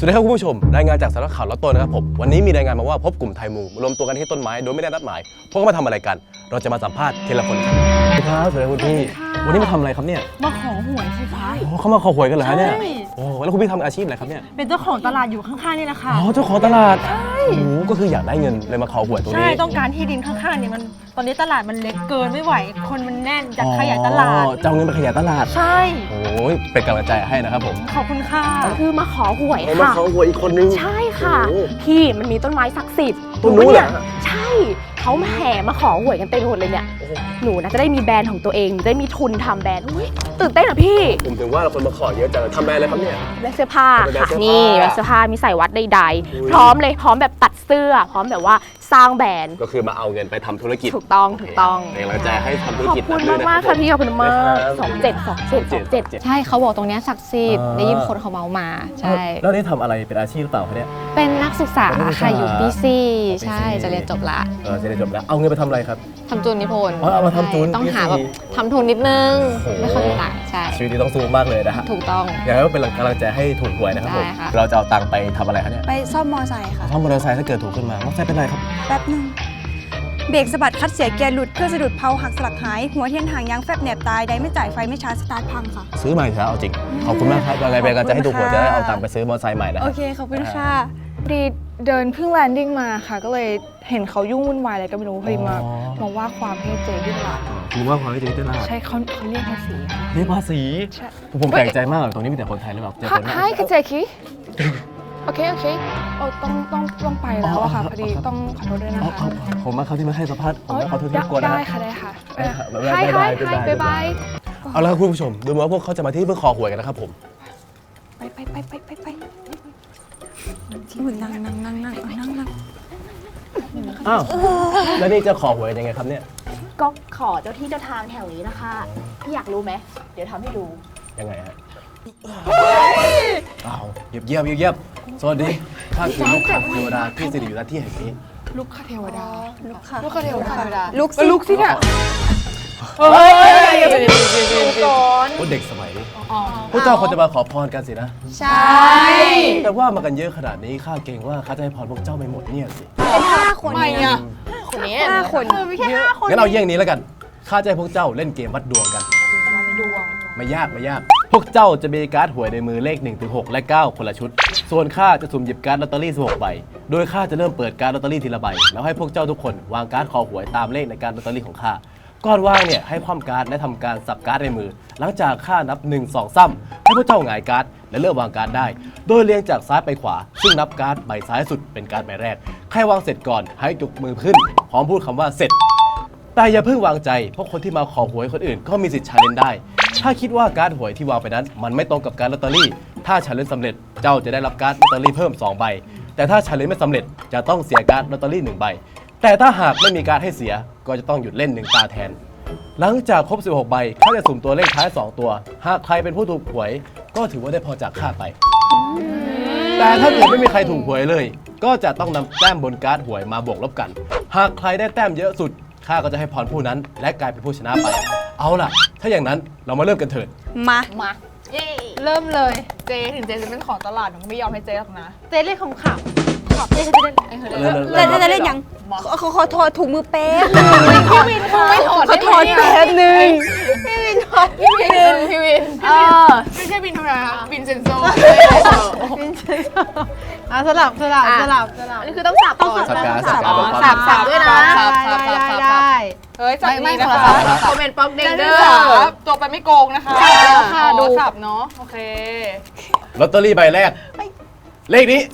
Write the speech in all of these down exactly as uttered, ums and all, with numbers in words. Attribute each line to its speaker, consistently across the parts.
Speaker 1: วัสดีครับคุณผู้ชมรายงานจากสำนักข่าวล็อตโต้นะครับผมวันนี้มีรายงานมาว่าพบกลุ่มไทยมุงรวมตัวกันที่ต้นไม้โดยไม่ได้นัดหมายพวกเขามาทำอะไรกันเราจะมาสัมภาษณ์ทีละคนครับสวัสดีครับสวัสดีคุณพี่วันนี้มาทำอะไรครับเนี่ย
Speaker 2: มาขอหวยสิคะ
Speaker 1: โอ้เขามาขอหวยกันเหรอฮะเนี่ยโอ้แล้วคุณพี่ทำอาชีพอะไรครับเนี่ย
Speaker 2: เป็นเจ้าของตลาดอยู่ข้างๆนี่แหละค่ะ
Speaker 1: อ๋อเจ้าของตลาดใช่โอ้ก็คืออยากได้เงินเลยมาขอหวยตรงนี้
Speaker 2: ใช่ต้องการที่ดินข้างๆเนี่ยมันตอนนี้ตลาดมันเล็กเกินไม่ไหวคนมันแน่นอยากขยายตลาด
Speaker 1: จะเอาเงินไปขยายตลาด
Speaker 2: ใช่
Speaker 1: โอ้ยเป็นกำลังใจให้นะครับผม
Speaker 2: ขอบคุณค่ะ
Speaker 3: คือมาขอหวยค่ะ
Speaker 1: มาขอหวยอีกคนนึง
Speaker 3: ใช่ค่ะพี่มันมีต้นไม้ศักดิ์สิทธิ์
Speaker 1: ต้นนู้นเหรอ
Speaker 3: ใช่เขาแห่มาขอหวยกันเต็มไปหมดเลยเนี่ยหนูนะจะได้มีแบรนด์ของตัวเองได้มีทุนทำแบรนด์ตื่นเต้นอ่ะพี่
Speaker 1: ผมถึงว่าเราคนมาขอเยอะจังทำแบรนด์อะไรครับเนี่ย
Speaker 3: แบรนด์เสื้อผ้าค่ะนี่แบรนด์เสื้อผ้ามีใส่วัดใดๆพร้อมเลยพร้อมแบบตัดเสื้อพร้อมแบบว่าสร้างแบรนด์
Speaker 1: ก็คือมาเอาเงินไปทำธุรกิจ
Speaker 3: ถูกต้องถูกต้อง
Speaker 1: เป็นกำลังใจให้ทำธุรกิจ
Speaker 3: ขอบคุณมากมากค่ะพี่ขอบคุณมากสองเจ็ดสองเจ็ดสองเจ็ด
Speaker 4: ใช่เขาบอกตรงนี้ศักดิ์สิทธิ์ได้ยินคนเขาเมามาใช่
Speaker 1: แล้วนี่ทำอะไรเป็นอาชีพหรือเปล่าเนี่ย
Speaker 4: เป็นนักศึกษาค่ะอยู่ปีสี่ใช่จะเรียนจบละ
Speaker 1: เออจะเรียนจบแล้วเอาเงินไปทำอะไรครับ
Speaker 4: ทำจูนนิพนธ์
Speaker 1: เอามาทำจูน
Speaker 4: ต้องหาแบบทำทุนนิดนึงไม่ค่อยมีตังค์ใช่
Speaker 1: ชีวิตนี้ต้องสู้มากเลยนะฮะ
Speaker 4: ถูกต้อง
Speaker 1: อย่างนั้นก็เป็นกำลังใจให้ถูกหวยนะครับผมเราจะเอาตังค์ไปทำอะไรครับเนี่ย
Speaker 5: ไปซ่อมมอไซค์ค่ะ
Speaker 1: ซ่อมมอเตอร์ไซค์ถ้าเกิดถูกขึ้นมามอเตอร์ไซค์เป็นไรครับ
Speaker 5: แป๊บนึงเบรกสะบัดคัดเสียเกียร์หลุดเครื่องสะดุดเพลาหักสลักหายหัวเทียนหางยางแฟบแหนบตายได้ไม่จ่ายไฟไม่ชาร์จสตาร์ทพังค่ะ
Speaker 1: ซื้อใหม่เถอะเอาจริงขอบคุณมากครับยังไงเป็นกำลังใจให้ถูกหวยจะได้เอาตังค์ไปซื้อมอเตอร์ไซค์ใหม่นะ
Speaker 5: โอเคขอบคุณค่ะ
Speaker 6: พอดีเดินเพิ่งแลนดิ้งมาค่ะก็เลยเห็นเขายุ่งวุ่นวายอะไรก็ไม่รู้พอดีมามาว่าความให้เจที่ตลาด
Speaker 1: รู้ว่าความให้เจที่ตลาด
Speaker 6: ใช่เขาเขาเรียกภาษีค่ะ
Speaker 1: เรียกภาษีผมแปลกใจมากตรงนี้มีแต่คนไทยหรือเปล่าเจอคน
Speaker 6: ไทยกับเจคีโอเคโอเคโอ้ต้องต้องต้องไปแล้วอะค่ะพอดีต้องขอโทษด้วยนะคะ
Speaker 1: ผมมาเขาที่มาให้สัมภาษณ์ผมมาเขาที่ที่กวน
Speaker 6: นะได้ค่ะได้ค่ะไฮไฮไฮบายบาย
Speaker 1: เอาละคุณผู้ชมดูเหมือนว่าพวกเขาจะมาที่เพื่อขอหวยกันนะครับผม
Speaker 5: ไปไปไปไปไปไปที่มึงนั่งนั่งนั่งนั่งนั่งนั่ง
Speaker 1: อ้าวแล้วนี่จะขอหวยยังไงครับเนี่ย
Speaker 3: ก็ขอเจ้าที่เจ้าทางแถวนี้นะคะพี่อยากรู้ไหมเดี๋ยวทำให้ดู
Speaker 1: ยังไงฮะอ้าวเยียบเยียบเยียบสวัสดีข้าคือลูกค้าเทวดาที่สิริอยู่ณที่แห่งนี้
Speaker 6: ลูกค้าเทวดา
Speaker 5: ลูกค้า
Speaker 6: ลูกค้าเทวดา
Speaker 5: ลูก
Speaker 6: ลูกสิเนี่ย
Speaker 1: เฮ้ยก่อนพวกเด็กสมัยนี้พวกเจ้าคนจะมาขอพรกันสินะ
Speaker 3: ใช่
Speaker 1: แต่ว่ามากันเยอะขนาดนี้ข้าเกรงว่าข้าจะให้พรพวกเจ้าไม่หมดเนี่ยสิ
Speaker 5: เป็นห้าคน
Speaker 6: ไม่อะ
Speaker 3: คนนี้
Speaker 5: ห้าคน
Speaker 3: ไม่ใช่ห้าคน
Speaker 1: งั้นเอาเยี่ยงนี้แล้วกันข้าจะให้พวกเจ้าเล่นเกมวัดดวงกัน
Speaker 6: วัดดวง
Speaker 1: ไม่ยากไม่ยากพวกเจ้าจะมีการ์ดหวยในมือเลขหนึ่งถึงหกและเก้าคนละชุดส่วนข้าจะสุ่มหยิบการ์ดลอตเตอรี่สิบหกใบโดยข้าจะเริ่มเปิดการ์ดลอตเตอรี่ทีละใบแล้วให้พวกเจ้าทุกคนวางการ์ดคอหวยตามเลขในการ์ดลอตเตอรี่ของข้าก่อนวางเนี่ยให้คว่ำการ์ดและทำการสับการ์ดในมือหลังจากข้านับหนึ่ง สอง สามให้พวกเจ้าหงายการ์ดและเริ่มวางการ์ดได้โดยเรียงจากซ้ายไปขวาซึ่งนับการ์ดใบซ้ายสุดเป็นการ์ดใบแรกใครวางเสร็จก่อนให้ยกมือขึ้นพร้อมพูดคำว่าเสร็จแต่อย่าเพิ่งวางใจเพราะคนที่มาขอหวยคนอื่นก็มีสิทธิ์ชาเลนจ์ได้ถ้าคิดว่าการ์ดหวยที่วางไปนั้นมันไม่ตรงกับการ์ดลอตเตอรี่ถ้าชาเลนจ์สำเร็จเจ้าจะได้รับการ์ดลอตเตอรี่เพิ่มสองใบแต่ถ้าชาเลนจ์ไม่สำเร็จจะต้องเสียการ์ดลอตเตอรี่หนึ่งใบแต่ถ้าหากไม่มีการ์ดให้เสียก็จะต้องหยุดเล่นหนึ่งตาแทนหลังจากครบสิบหกใบข้าจะสุ่มตัวเลขท้ายสองตัวหากใครเป็นผู้ถูกหวยก็ถือว่าได้พอจากข้าไปแต่ถ้าเกิดไม่มีใครถูกหวยเลยก็จะต้องนำแต้มบนการ์ดหวยมาบวกลบกันหากใครได้แต้มเยอะสุดข้าก็จะให้พรผู้นั้นและกลายเป็นผู้ชนะไปเอาล่ะถ้าอย่างนั้นเรามาเริ่มกันเถิด
Speaker 5: มา
Speaker 3: มา
Speaker 6: เริ่มเลยเจถึงเจจะเป็นของตลาดหนูไม่ยอมให้เจหรอกนะ
Speaker 2: เจ๊เล่นของขับขับเจ๊จะเล่น
Speaker 5: เล่นจะเล่นยังเขาขอถอดถุงมือเป๊ะ
Speaker 6: พี่วินไม่ถอด
Speaker 5: เขาถอดแป๊บนึง
Speaker 6: พี่วินถอดพี่วินพี่วินเออไม่ใช่วินธรรมดาวินเซนโซ
Speaker 2: วินเซนโซอ่ะสลับสลับสลับสลับ
Speaker 3: นี่คือต้องสับก่อน
Speaker 1: สับการสับการ
Speaker 3: สับสับด้วยนะ
Speaker 6: สับสับสับสับได้เฮ้ยสับ
Speaker 3: ไม่
Speaker 6: นะคะ
Speaker 3: คอมเมนต์ป๊อกเด้งเด้อ
Speaker 6: ตัวไปไม่โกงนะคะค่ะดูสับเนาะโอเค
Speaker 1: ลอตเตอรี่ใบแรกเลขนี้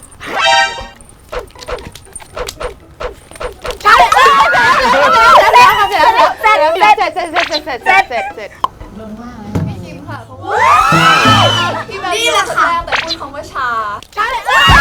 Speaker 6: เสร็จเสร็จเสร็จเสร็จเสร็จเสร็จเสร็จเสร็จเสร็จลงว่าพี่คิมค่ะ
Speaker 5: นี่แหละค่ะ
Speaker 6: แต่พูดคำว่าชา
Speaker 5: ชาเลย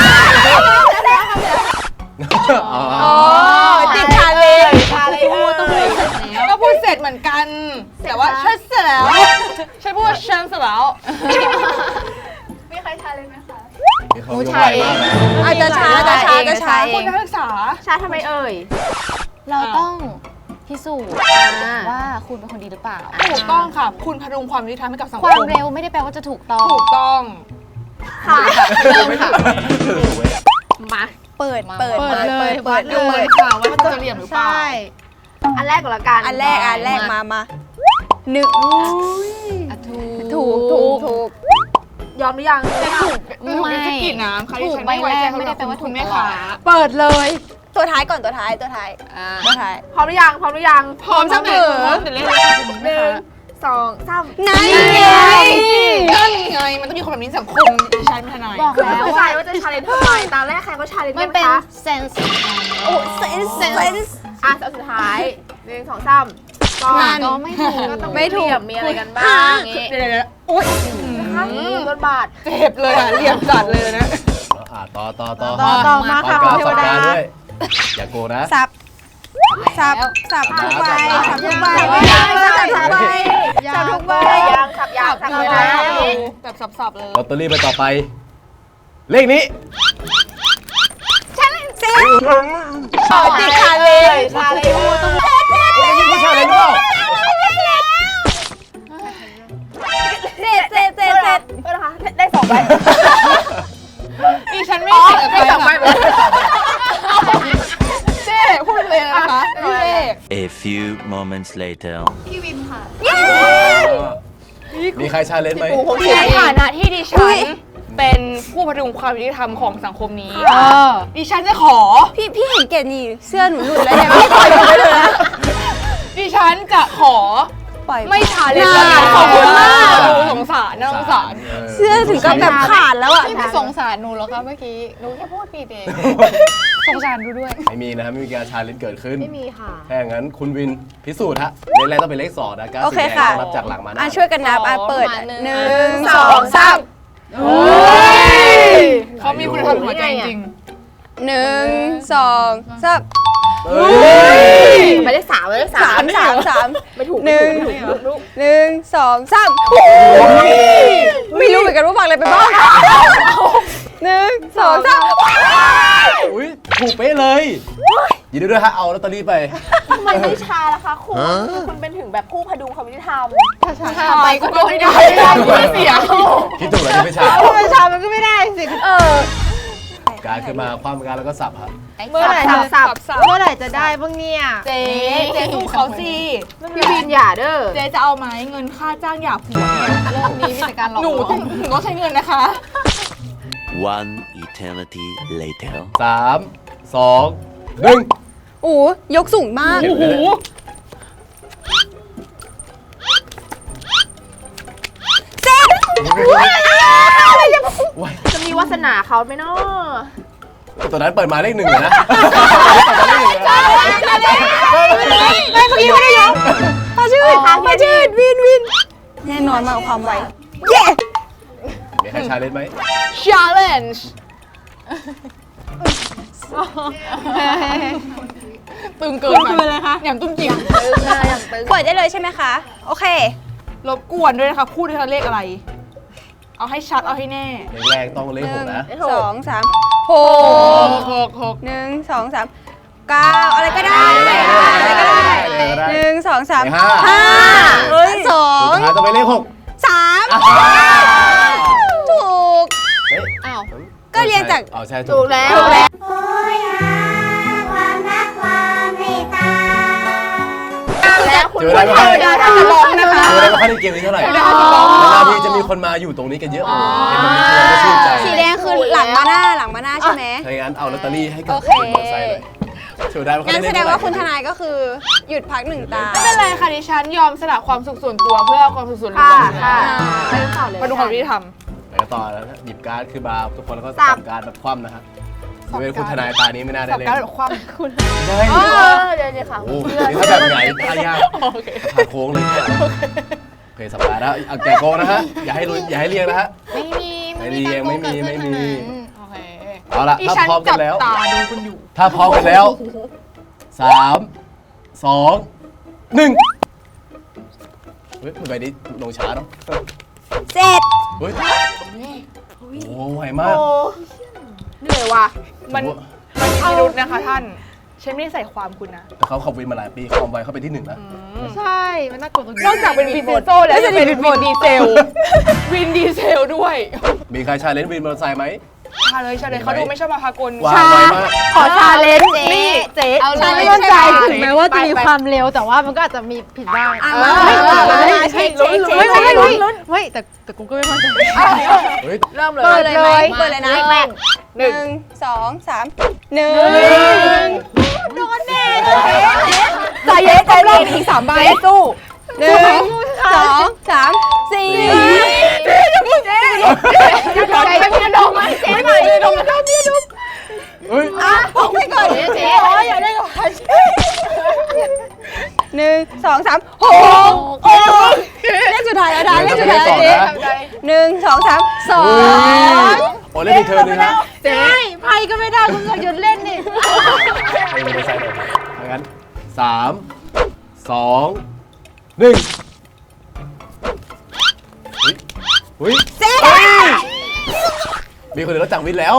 Speaker 5: อ๋อติดชาเลย
Speaker 6: ชาเลยต้องพูดเสร็จแล้วก็พูดเสร็จเหมือนกันแต่ว่าฉันเสร็จแล้วฉันพูดว่าฉันเสร็จแล้ว
Speaker 5: มีใครชาเลยไหมคะ
Speaker 1: ผู้ชาย
Speaker 5: อาจจะชาจะชาจะชา
Speaker 6: คุณนักศึกษา
Speaker 3: ชาทำไมเอ่ย
Speaker 4: เราต้องพิสูจน์ว่าคุณเป็นคนดีหรือเปล่า
Speaker 6: ถูกต้องค่ะคุณพดุงความยุติธรรมให้กับสังคม
Speaker 4: ความเร็วไม่ได้แปลว่าจะถูกต้อง
Speaker 6: ถูกต้อง
Speaker 3: ค่ะ
Speaker 4: เริ่มค่ะ
Speaker 3: มา
Speaker 5: เปิดเปิด
Speaker 2: เปิดเลย
Speaker 5: เปิด
Speaker 2: เล
Speaker 5: เปิ
Speaker 2: ย
Speaker 5: ด
Speaker 2: ค่ะว่ามันจะเหลี่ยมหรือเปล่า
Speaker 3: อันแรกก่อนละกัน
Speaker 5: อันแรกอันแรกมามาหนึ่ง
Speaker 4: ถูก
Speaker 3: ถูกถูกถูกยอมหรือยัง
Speaker 6: แต่ถูกถูกเป็นสกิดน้ำค่ะที่ฉันไม่ไว้ใจ
Speaker 4: ไม่ได้แปลว่า
Speaker 6: คุณ
Speaker 4: ถูก
Speaker 6: แม่ค้า
Speaker 3: เปิดเลย
Speaker 5: ตัวท้ายก่อนตัวท้ายตัวท้าย
Speaker 4: อ่า
Speaker 5: ตัวท้าย
Speaker 3: พร้อมหรือยังพร้อมหรือยัง
Speaker 6: พร้อมเสมอเดี๋ยวเล่นเลยค่ะคุณ
Speaker 3: ห
Speaker 6: แม่
Speaker 3: นึ่
Speaker 6: ค้าง
Speaker 3: สองสาม
Speaker 5: นั่นไง
Speaker 6: นั่นไงมันต้องมีคนแบบนี้ในสังคมดิฉันเป็นทนาย
Speaker 4: บอก
Speaker 3: คือ
Speaker 4: แล้ว
Speaker 3: เข้าใจ
Speaker 4: ว่า
Speaker 3: ว่าจะชาเลนจ์ทำไมตอนแรกใครก็ชาเลนจ์
Speaker 4: มันเป็น
Speaker 3: คะ
Speaker 4: เซนส์
Speaker 5: โอ้เซนส์เซนส์
Speaker 3: อ่ะเอาสุดท้ายหนึ่งสองสามก่อน
Speaker 4: ก็ไม่ถูก
Speaker 3: ก็ต้อง
Speaker 5: ไม่ถูก
Speaker 3: เหลี่ยมีอะไรกันบ้างอย่างงี้
Speaker 6: เดี๋ยวเดี๋ยวเดี๋ยวโอ๊ย
Speaker 3: นะคะรถบาท
Speaker 6: เจ็บเลยอ่ะเหลี่ยมจัดเลยนะ
Speaker 1: อ่าต่อต่อต่อ
Speaker 3: ต่อต่อมาค่ะ
Speaker 1: ปาก
Speaker 3: เท
Speaker 1: กาว สับ
Speaker 3: ดา
Speaker 1: การด้วย อย่าโกงนะ
Speaker 5: สับสับสับทุกใบสับทุกใบสับทุกใบสับทุกใบ
Speaker 3: ยังสับยางสับ
Speaker 6: เลย
Speaker 3: ยา
Speaker 6: นะ
Speaker 3: ง
Speaker 6: แบบสับๆเลย
Speaker 1: ลอตเตอรี่ไปต่อไป เลขนี้
Speaker 3: ต่อติดชาเลยชาเลย
Speaker 1: นี่ผู้ชายเลยหรือเปล่า
Speaker 5: เสร็จเสร็จเสร็จเสร็จ
Speaker 3: เออนะคะได้สองใบ
Speaker 6: ดิฉันไม่เสีย
Speaker 3: ได้สองใบ
Speaker 6: เจ๊พูดเลยนะคะพี่เจ๊
Speaker 7: A few moments later.
Speaker 1: มีใครชาเลนจ์ไหม
Speaker 6: ในฐานะที่ดิฉันเป็นผู้พดุงความยุติธรรมของสังคมนี้ ดิฉันจะขอ
Speaker 5: พี่พี่เห็นเกดนี่เสื้อหนูหลุดแล้วเนี่ยไม่ปล่อยหนูไปเลยนะ
Speaker 6: ดิฉันจะขอ
Speaker 5: ปล่อย
Speaker 6: ไม่ชาเลนจ์แล้วกันขอบคุณมากสงสารนะสงสาร
Speaker 5: เสื้อถึงกับแบบขาดแล้วอ่ะ
Speaker 4: พี่ไม่สงสารหนูหรอกคะเมื่อกี้หนูแค่พูดผิดเอง
Speaker 6: สงสารดูด้วย
Speaker 1: ไม่มีนะครับไม่มีการชาเลนจ์เกิดขึ้น
Speaker 3: ไม่มีค่ะ
Speaker 1: ถ้าอย่างนั้นคุณวินพิสูจน์ฮะเลขแรกต้องเป็นเลขสองนะการ
Speaker 5: โอ
Speaker 1: สี
Speaker 5: เค
Speaker 1: แดง
Speaker 5: ค่ะ
Speaker 1: ต้องนับจากหลังมาห
Speaker 5: อ่ะ
Speaker 1: น้า
Speaker 5: ช่วยกันนับอ่ะเปิด
Speaker 4: มาหนึ่ง
Speaker 5: หนึ่งสองสาม
Speaker 6: เขามีคุณธรรมหัวใจจริง
Speaker 5: หนึ่งสองสาม
Speaker 1: เฮ้ย
Speaker 3: ไปได้สามเลยสา
Speaker 5: สาม มสามสาม
Speaker 3: ไม่ถูก
Speaker 5: หนึ่ง
Speaker 3: ไม่ถูกลูก
Speaker 5: หนึ่งสองสามไม่รู้เหมือนกันว่าฟังอะไรไปบ้างหนึ่งสองสาม
Speaker 1: อุ้ยถูกเป๊ะเลยยินดีด้วยฮะเอาลอตเตอรี่ไป
Speaker 3: ทำไมไม่ชาล่ะคะคุณคือคุณเป็นถึงแบบผู้พดุงความยุติธรรม
Speaker 6: ๆชาไปก็โดนไม่ได้ไม่ได้ไม่เสีย
Speaker 1: คิดถูกแล้วที่ไม่ชา
Speaker 2: ทำไมชามันก็ไม่ได้สิ
Speaker 3: เออ
Speaker 1: การขึ้นมาความการแล้วก็สับครับ
Speaker 2: เมื่อไหร่
Speaker 3: สับสับ
Speaker 2: เมื่อไหร่จะได้บ้างเนี่ย
Speaker 6: เจ๊เจ๊สู้เขาสิ
Speaker 3: พี่วินอย่าเด้อ
Speaker 6: เจ๊จะเอาไหมเงินค่าจ้างหยาบหัวเนี่ย
Speaker 4: โลกนี้มีแต่การหลอก
Speaker 6: หนู
Speaker 4: ลว
Speaker 6: ต้อง งหนูต้องใช้เงินนะคะ
Speaker 7: One eternity later.
Speaker 1: สามสองหนึ่ง
Speaker 5: โอ้ยกสูงมาก
Speaker 1: โอ้โห
Speaker 3: จะมีวาสนาเขาไหมเนาะ
Speaker 1: ตัวนั้นเปิดมาเลขหนึ่งเลยนะ
Speaker 5: ไม่เมื่อกี้ไม่ได้ยกพาชื่อพาชื่อวินวินแน่นอนมากความไวเย้
Speaker 1: มีใครชาเลนจ์ไหม
Speaker 6: challenge ตึงเกินคืออะไรคะแหนมตุ้มจิ๋ม
Speaker 5: เปิดได้เลยใช่ไหมคะ โอเค
Speaker 6: รบกวนด้วยนะคะพูดด้วยเลขอะไร เอาให้ชัดเอาให้แน่
Speaker 1: เลขแรกต้องเลขหกนะ
Speaker 5: สองสามห
Speaker 6: ห
Speaker 5: ก
Speaker 6: กหกหก
Speaker 5: หนึ่งสองสามเก้าอะไรก็ได้อะไรก็ได้หนึ่งสองสาม
Speaker 1: เลขห้า
Speaker 5: ห้าเฮ้ยสอง
Speaker 1: สุดท้ายต้องเป็นเลขหก
Speaker 5: สามถูก
Speaker 1: เฮ้ย
Speaker 4: อ้าว
Speaker 5: ก็เรียนจาก
Speaker 1: อ๋อใช่
Speaker 3: ถูกแล้ว
Speaker 5: ถูกแล้ว
Speaker 3: แล้วคุณ
Speaker 1: เจออะไรบ้าง
Speaker 3: เจออะไรบ้างนะคะ
Speaker 1: เจออะไรบ้างในเกมนี้เท่าไหร่นานๆทีจะมีคนมาอยู่ตรงนี้กันเยอะโอ้เห็นแบบนี้เราก็ชื่นใจ
Speaker 5: สีแดงคือหลังมาหน้าหลังมาหน้าใช่ไหม
Speaker 1: ถ้าอย่างนั้นเอาลอตเตอรี่ให้กับ
Speaker 5: โอเค
Speaker 1: คุณมอเตอร์ไซค์เลยช่วยได้ไหม
Speaker 5: งั้นแสดงว่าคุณทนายก็คือหยุดพักหนึ่งตา
Speaker 6: ไม่เป็นไรค่ะดิฉันยอมสละความสุขส่วนตัวเพื่อความสุขส่วนรว
Speaker 3: ค่ะ
Speaker 6: ม
Speaker 3: ค่ะไปต่อเลย
Speaker 6: มาดูความยุติธรรม
Speaker 1: ไปกันต่อแล้วนะหยิบการ์ดขึ้นมาทุกคนแล้วก็
Speaker 3: สั
Speaker 1: สั
Speaker 3: บ
Speaker 1: บการ์ดแบบคว่ำนะครับยกเว้นคุณทนายตานี้ไม่น่าได้
Speaker 6: สับ
Speaker 1: เล่น
Speaker 6: การแบบคว่
Speaker 1: ได้
Speaker 3: เออเดี๋ยวเดี๋ยวค่ะ
Speaker 1: โอ้โหนี่ถ้าแบบไหนตายาก
Speaker 6: ำโอเค
Speaker 1: ทางโค้งเลยเนี่ยโอเคสัปดาห์แล้วเอาแกะโกงนะฮะอย่าให้ลุ้นอย่าให้เรียงนะฮะ
Speaker 4: ไม่มี
Speaker 1: ไม่มียังไม่มีไม่มี
Speaker 6: โอเค
Speaker 1: เอาละ
Speaker 6: ดิ
Speaker 1: ถ้า
Speaker 6: ฉัน
Speaker 1: พร้อมกั
Speaker 6: จั
Speaker 1: น
Speaker 6: บ
Speaker 1: แล้ว
Speaker 6: ตาดูคุณอยู่
Speaker 1: ถ้าพร้อมกันแล้วสามสองหนึ่งเฮ้ยใบนี้ลงช้าเนาะ
Speaker 5: เสร็จ
Speaker 1: เฮ้ยโอ้ไวมาก
Speaker 3: โอ้เหนื่อยว่ะ
Speaker 6: มันมันมีพิรุธนะคะท่านฉันไม่ได้ใส่ความคุณนะ
Speaker 1: แต่เขาขับวินมาหลายปีความไวเขาเป็นที่หนึ่งนะ
Speaker 2: ใช่มันน่ากลัวตรงนี้
Speaker 6: นอกจากเป็นวินเซนโซแล้วจะเป็นวินดีเซล วินดีเซลด้วย
Speaker 1: มีใครชาเลนจ์วินมอเตอร์ไซค์ไหม
Speaker 6: ชาเลยชาเลยเขาดูไม่ชอบมาพากล
Speaker 1: วางไวมาก
Speaker 3: ขอชาเลนจ์
Speaker 4: นี่
Speaker 3: เจ๊
Speaker 4: เอาเลย
Speaker 2: ไม่มั่นใจ
Speaker 6: ใช่
Speaker 2: ถึงแม้ว่าจะมีความเร็วแต่ว่ามันก็อาจจะมีผิดบ้าง
Speaker 5: อ่ะ
Speaker 2: เอ
Speaker 5: มา
Speaker 2: อ
Speaker 5: มา
Speaker 2: เฮ้ย
Speaker 5: มา
Speaker 2: เฮ้ย
Speaker 5: เช็คเช็ค
Speaker 2: เฮ้ย
Speaker 5: เช็ค
Speaker 2: เฮ้ยเฮ้ยเฮ้ยแต่แต่กูก็ไม่มั่นใจ
Speaker 1: เฮ้ย
Speaker 6: เริ่มเลย
Speaker 5: เปิดเลยไหม
Speaker 4: มา
Speaker 5: เปิดเลยนะ
Speaker 4: แรก
Speaker 5: หนึ่งสองสามหนึ่ง
Speaker 3: ใจเย็นใจเย็นอีกสามใบสู้
Speaker 5: หนึ่งสองสามสี่
Speaker 3: ใจเย็นดมมาเจ๊หน่อยดมมาเจ๊ดม
Speaker 1: เฮ้ย
Speaker 5: อ่ะพกไปก่อน
Speaker 4: เจ๊
Speaker 5: โอ้ยอย่าได้ก่อนหนึ่งสองสามหกโอ้เลขสุดท้ายแล้วนะเลขสุดท้ายแล้วเจ๊หนึ่งสองสามสอง
Speaker 1: โอ้เล่นอีกเธอหนึ่งนะ
Speaker 2: เจ๊ไพ่ก็ไม่ได้คุณก็หยุดเล่นนี่
Speaker 1: ให้มอเตอร์ไซค์หน่อยถ้างั้นสามสองหนึ่งเฮ้ยเฮ้ยมีคนอื่นรู้จักวินแล้ว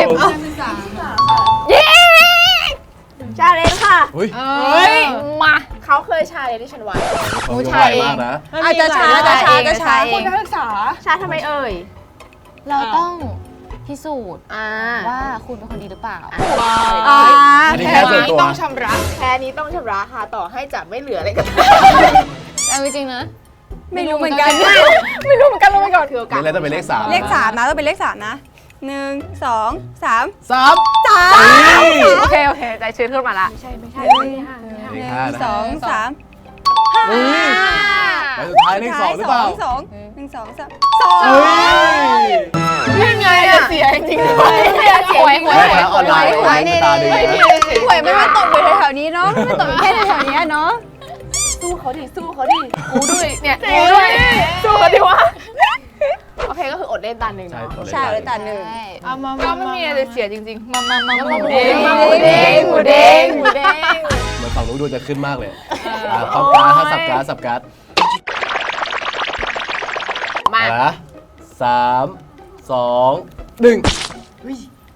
Speaker 3: เย้ชาเลนจ์ค่ะ
Speaker 1: เฮ้ย
Speaker 6: เฮ้ย
Speaker 3: มาเขาเคยชาเลนจ์ที่ฉันไว้
Speaker 1: เขาไวมากนะ
Speaker 5: อาจจะช้าจะช้าจะช้า
Speaker 6: คุณนักศึกษา
Speaker 3: ชาทำไมเอ่ย
Speaker 4: เราต้องพิสูจน์
Speaker 3: อ่า
Speaker 4: ว่าคุณเป็นคนดีหรือเปล่า
Speaker 5: อ่า
Speaker 1: อันนี้แค่ส่วนตัว
Speaker 6: ต้องชำระ
Speaker 3: แค่นี้ต้องชำระค่ะต่อให้จะไม่เหลืออะไรก็ตาม
Speaker 4: เอาจริงๆนะ
Speaker 5: ไม่รู้เหมือนกัน
Speaker 3: ไม่รู้เหมือนกันลงไปก่อนคือโอกาส
Speaker 1: นี่แล้วต้องเป็นเลขสาม
Speaker 5: เลขสามนะต้องเป็นเลขสามนะหนึ่งสองสาม
Speaker 1: สาม
Speaker 5: สาม
Speaker 3: โอเคโอเคใจชื้นขึ้นมาละไม่ใช่ไม่ใช่
Speaker 5: หนึ่ง
Speaker 1: เลข
Speaker 5: ห
Speaker 1: ห้า
Speaker 5: นึ่ง
Speaker 1: นะ
Speaker 5: สองสาม
Speaker 1: เฮ้ยไปสุดท้ายเลขสองหรือเปล่า
Speaker 5: สองหนึ่งสองสามสอง
Speaker 1: เฮ้ย
Speaker 3: ยังไงอะเสียจริงๆด้วยเสียเสีย
Speaker 4: หวยหวย
Speaker 1: แม่ค้าออนไลน์หวยตาดีนะ
Speaker 5: หวยไม่มาตกอยู่แถวๆนี้เนาะไม่ตกแค่แถวๆนี้เนาะ
Speaker 3: สู้เขาดิสู้เขาดิกูด้วยเนี่ย
Speaker 5: เจ๊ด้วย
Speaker 3: สู้เขาดิวะโอเคก็คืออดเล่นตาหนึ่ง
Speaker 1: ใช่
Speaker 3: เนาะ
Speaker 1: ตัวเลข
Speaker 5: ใช่เลยตาหนึ่ง
Speaker 6: เอามาก็ไม่มีอะไรเสียจริงๆ มามามาหมู
Speaker 3: หมู
Speaker 6: เด้
Speaker 3: เด้
Speaker 6: ง
Speaker 3: งหมูเด้งหมูเด้งหมูเด้ง
Speaker 1: เหมือนฝั่งนู้นดูจะขึ้นมากเลยอ่ะเข้าการ์ดถ้าสับการ์ดสับการ์ด
Speaker 3: มา
Speaker 1: เอาละสามสองหนึ่งอุ้ย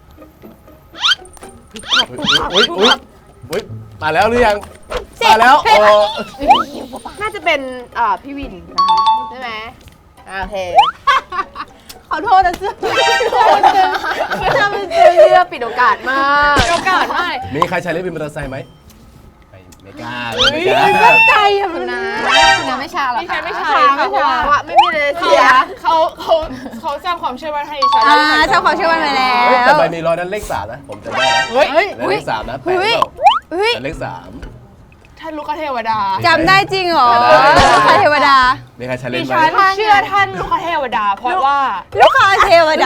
Speaker 1: อุ้ยอุ้ยมาแล้วหรือยังมาแล้วโอ้
Speaker 3: น่าจะเป็นอ่าพี่วินนะคะใช่ไหมอ่าโอเคขอโทษนะเสื้อไม่ทำเป็นเสื้อปิดโอกาสมาก
Speaker 6: โอกาสมาก
Speaker 1: มีใครใช้เล่นบินมอเตอร์ไซค์ไหมไม่ไม่กล้าเลยไม่กล้า
Speaker 3: ใจอะมันนะ
Speaker 4: คุณยังไม่ชาหรอ
Speaker 6: ไม่ใช่
Speaker 4: คะ
Speaker 6: ไม่ใช่
Speaker 3: ไม่
Speaker 6: ค่ะเพราะ
Speaker 3: ใช่
Speaker 6: ว่า
Speaker 3: ว่าไม่มีเลย
Speaker 6: เขา
Speaker 3: เสีย
Speaker 6: เขาเขาเขาสร้างความเชื่อมั่นให้ดิฉัน
Speaker 5: อ่าเจ้าความเชื่อมั่นไปแล้
Speaker 1: เฮ้ยแต่
Speaker 5: ว
Speaker 1: ใบมีรอยนั้นเลขสามนะผมจำได้นะ
Speaker 6: เฮ้ย
Speaker 1: แล้วเลขสามนะแปด
Speaker 5: เฮ้ย
Speaker 1: เปล่า
Speaker 5: เฮ้ย
Speaker 1: แต่เลขสาม
Speaker 6: ท่านลูกเทวดา
Speaker 5: จำได้จริงเหรอ
Speaker 1: จำได้
Speaker 5: ลูกค้าเทวดา
Speaker 1: มีใครใช้เล่
Speaker 6: ดิ
Speaker 1: นไหม
Speaker 6: ฉันเชื่อท่านลูกเทวดา เพราะว่า
Speaker 5: ลูกค้าเทวดา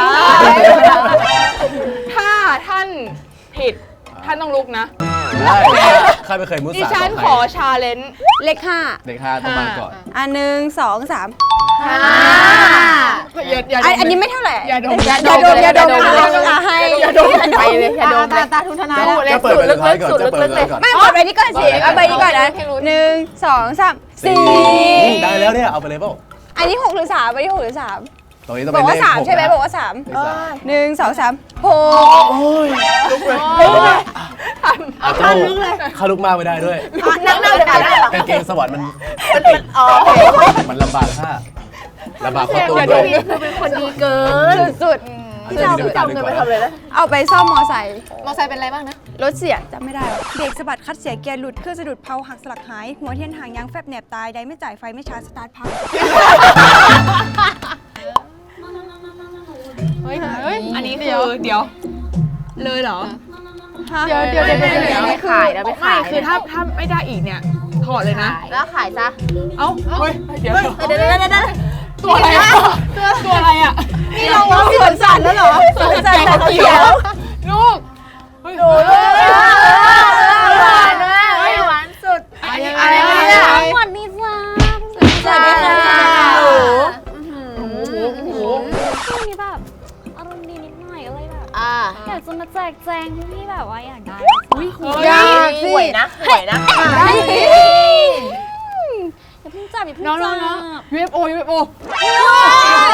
Speaker 6: ถ้าท่านผิดท่านต้องลุกนะ
Speaker 1: ได้ข้าไม่เคยมุ
Speaker 6: ดิ
Speaker 1: สา
Speaker 6: ฉัน
Speaker 1: กับ
Speaker 6: ข
Speaker 1: ใคร
Speaker 6: อชาเลนจ์
Speaker 5: เลขห้า
Speaker 1: เลขห้าต้องมาก่อน
Speaker 5: อ่ะหนึ่งสองสาม
Speaker 3: อ่า
Speaker 6: อย่าอย่า
Speaker 5: อันอันนี้ไม่เท่าไหร่
Speaker 6: อย่าดม
Speaker 5: อย่าดมอย่าดมอย่าดมอย่าให้อย่าดม
Speaker 3: ไปเลยอย่าโดนตาตาทุนทนาย
Speaker 1: จะเปิดไปสุดท้ายก่อนจะเปิดไปก่อน
Speaker 5: ไม่กดใบนี้ก่อนสิเอาใบนี้ก่อนนะหนึ่งสองสามสี่
Speaker 1: ได้แล้วเนี่ยเอาไปเลยเปล่า
Speaker 5: อันนี้หกหรือสามอันนี้หกหรือสาม
Speaker 1: ตรงนี้ต้อง
Speaker 5: บ
Speaker 1: เป็
Speaker 5: อน ก
Speaker 1: เล
Speaker 5: ว่า
Speaker 1: ข
Speaker 5: สาม
Speaker 1: หก
Speaker 5: ใช่ไหม
Speaker 1: นะ
Speaker 5: บอกว่าสาม
Speaker 1: เลขสาม
Speaker 5: หนึ่งสองสามหก
Speaker 1: เอาเจ้าเข้าลุกมากไม่ได้ด้วย
Speaker 3: นั่งนั่งเลยค่ะ
Speaker 1: กางเกงสวรรค์มัน
Speaker 3: อ๋อ
Speaker 1: มันลำบากค่ะลำบากข้อตัว
Speaker 3: อย่า
Speaker 1: ด้
Speaker 3: ดู
Speaker 1: วย
Speaker 3: นี่คือเป็นคนดีเกิน
Speaker 5: สุด
Speaker 1: ที่เรา
Speaker 3: จำเงินไปทำอะไรนะ
Speaker 5: ๆเอาไปซ่อมมอไซค์
Speaker 4: มอไซค์เป็นอะไรบ้างนะ
Speaker 5: รถเสียจำไม่ได้หรอกเบรกสะบัดคัดเสียเกียร์หลุดเครื่องสะดุดเพลาหักสลักหาย หัวเทียนหางยางแฟบแหนบตายใดไม่จ่ายไฟไม่ชาร์จสตาร์ทพัง
Speaker 6: เฮ้ยเฮ้ยอันนี้คือเดี๋ยว เลยเหรอ
Speaker 3: เดี๋ยวเดี๋ยวเดี๋ยวเดี๋ยวไม่ขายนะไม่
Speaker 6: ไม่
Speaker 3: ขาย
Speaker 6: คือถ้าถ้าไม่ได้อีกเนี่ยถอดเลยนะ
Speaker 3: แล้วขายซะ
Speaker 6: เอ้าเฮ้ยเดี๋ยว
Speaker 3: เดี๋ยวเดี๋ยวเดี๋ยวเดี๋ยว
Speaker 6: ตัวอะไรอะตัวอะไรอะ
Speaker 5: นี่เราว่าสวนสัตว์แล้วเหรอสวนสัตว์แต่เขียว
Speaker 6: ลูกเฮ้ย
Speaker 3: หวานมากหวานสุด
Speaker 6: อะไรเนี่ย
Speaker 4: สวัสดีจ้า
Speaker 5: สวัสดีค่ะ
Speaker 6: โอ้โหโอ้โห
Speaker 4: ช่วงนี้แบบอารมณ์ดีนิดหน่อยก็เลยแบบ
Speaker 3: อ่า
Speaker 4: อยากจะมาแจกแจงที่พี่แบบว่าอยากได้
Speaker 5: ยาก
Speaker 3: หวยนะหวยนะ
Speaker 4: อย่าเพิ่งจับอย่าเพิ่ง
Speaker 6: น้อง
Speaker 4: จั
Speaker 6: น้องน้อง
Speaker 4: บ
Speaker 6: ยู เอฟ โอ ยู เอฟ โอ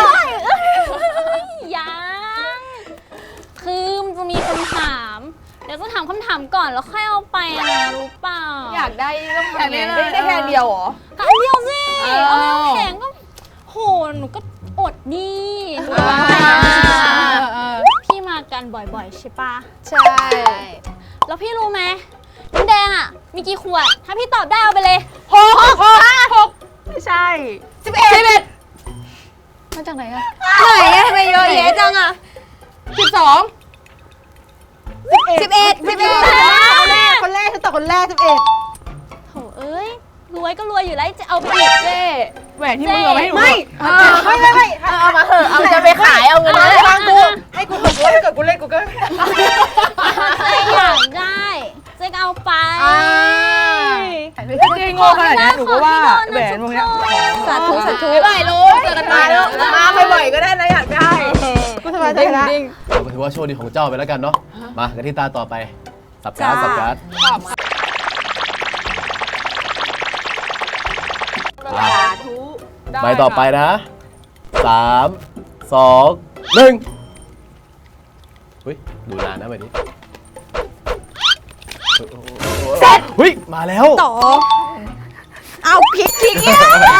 Speaker 4: ยังคือมันจะมีคำถาม เดี๋ยวจะถามคำถามก่อนแล้วค่อยเอาไปนะรู้เปล่า
Speaker 3: อยากได้ต้อง
Speaker 2: อยาก
Speaker 3: ทำ
Speaker 2: ได้
Speaker 3: ไง
Speaker 2: ได้ได้แค่เดียวเหรอ
Speaker 4: ก็อันเดียวสิ
Speaker 3: เออ
Speaker 4: เอาแล้วแข็งก็โหหนูก็อดดีหนู
Speaker 3: อ่า
Speaker 4: ก็
Speaker 3: เออ
Speaker 4: พี่มากันบ่อยๆใช่ปะ
Speaker 3: ใช่
Speaker 4: แล้วพี่รู้ไหมน้ำแดงอ่ะมีกี่ขวด ถ้าพี่ตอบได้เอาไปเลย
Speaker 3: หกหกหกไม่ใช่สิบเอ็ดสิบเอ็ด
Speaker 4: มาจากไหนอะ
Speaker 5: ไหนอะทำไมเยอะแยะจังอะ
Speaker 3: สิบสอง
Speaker 5: สิบเอ็ดสิบเอ็ด
Speaker 3: คนแรกคนแรกฉันตอบคนแรกสิบเอ็ด
Speaker 4: โถเอ้ยรวยก็รวยอยู่แล้วจะเอาไปอีก
Speaker 3: เจ๊
Speaker 2: แหวนที่มึงเอาไว้ให้หนู
Speaker 3: ไม่ไม่ไม่ไม่เอามาเถอะเอาจะไปขายเอาเงินมาฟังกูให้กูถูกด้วยถ้าเกิดกูเล่นกูก็
Speaker 4: เจ๊อยากได้เจ๊ก็เอาไป
Speaker 2: ถ้าเจ๊โง่ขนาดนี้หนูก็ว่าแหวนวงเนี้ย
Speaker 5: สาธุสาธุ
Speaker 3: ไม่ไหวรู้เจอกันมาแล้วมาบ่อยๆก็ได้นะอยากได้กูสบายใจละ
Speaker 1: ก็ถือว่าโชคดีของเจ้าไปแล้วกันเนาะ มากันที่ตาต่อไป สับการ์ด
Speaker 5: จ้า
Speaker 1: สับการ์ด
Speaker 3: ตอบมาสาธุ
Speaker 1: ใบต่อไปนะสามสองหนึ่งเฮ้ย ดูนานนะใบนี้เสร็จเฮ้ย มาแล้ว
Speaker 5: ต่อ เอาพริกพริกเนี่ย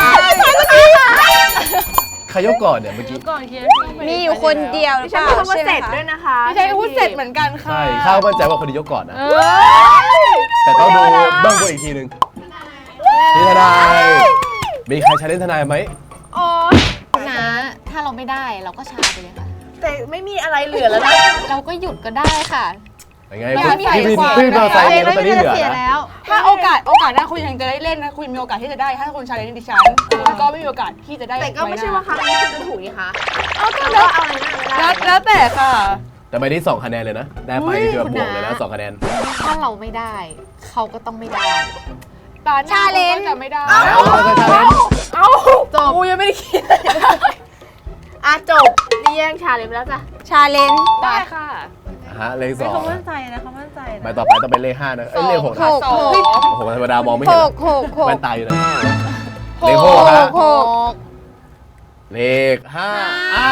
Speaker 1: ใครยกก่อนเนี่ยเมื่อกี้
Speaker 2: ก่อนเคียน
Speaker 5: มีอยู่คนเดียวหรือ
Speaker 3: ฉั
Speaker 5: เป
Speaker 3: น
Speaker 5: ล่า
Speaker 3: พูดว่า
Speaker 5: ใช่ไห
Speaker 3: เส
Speaker 5: ม
Speaker 3: ร็จ
Speaker 5: คะ
Speaker 3: ด้วยนะคะ
Speaker 2: ไม่ใช่พูดเสร็จเหมือนกันค่ะ
Speaker 1: ใช่ ข้าวมั่นใจว่าคนนี้ยกก่อนนะ แต่ต้องดูเบื้องบนอีกทีหนึ่งนี่ทนาย มีใครใช้เล่นทนายไหม
Speaker 3: โอ๊ย
Speaker 4: นะถ้าเราไม่ได้เราก็ชาไปเลยค่ะ
Speaker 3: แต่ไม่มีอะไรเหลือแล้วนะ
Speaker 4: เราก็หยุดก็ได้ค่ะ
Speaker 1: ยังไงคุณพี่วินพี่มอเตอร์ไซค์เนี่ยลอตเตอรี่เหลือนะ
Speaker 2: ถ้าโอกาสโอกาสหน้าคุณยังจะได้เล่นนะคุณมีโอกาสที่จะได้ ถ้าคุณชาเลนจ์ดิฉันคุณก็ไม่มีโอกาสที่จะได้
Speaker 3: แต่ก็ไม่ใช่ว่าครั้งนี้คุณจะถูกนี่คะ
Speaker 2: เอาก็
Speaker 3: แล้
Speaker 2: แล้ว ว
Speaker 3: เอาอะไรนะไม่
Speaker 2: แล้
Speaker 3: ได้
Speaker 2: วแล้วแต่ค่ะ
Speaker 1: แต่ใบนี้สองคะแนนเลยนะ ได้ไปคือแบบบวกเลยนะสองคะแนน
Speaker 4: ถ้าเราไม่ได้ เขาก็ต้องไม่ได้
Speaker 2: ตาชาเลนจ์จะไม่ได้
Speaker 1: เอาแล้วเอาแล้วชาเลนจ์
Speaker 3: เอาจบกูยังไม่ได้คิดอ่ะจบนี่แย่งชาเลยไปแล้วจ้ะ
Speaker 5: ชาเลนจ์
Speaker 2: ได้ค่ะ
Speaker 1: ฮะเลขสอง
Speaker 2: เขามั่นใจนะเขามั่นใจ
Speaker 1: ใบต่อไปต้องเป็นเลขห้านะเอ้ยเลขหก
Speaker 5: ห
Speaker 1: นะ
Speaker 5: ก
Speaker 2: สอง
Speaker 5: หก
Speaker 1: โอ้โหธรรมดามองไม่
Speaker 5: ห
Speaker 1: เห็น
Speaker 5: กหกหก
Speaker 1: แว่นตาอยู่นะ
Speaker 2: หก
Speaker 1: เลขหกฮะ
Speaker 5: หก
Speaker 1: เลขห้าอ่า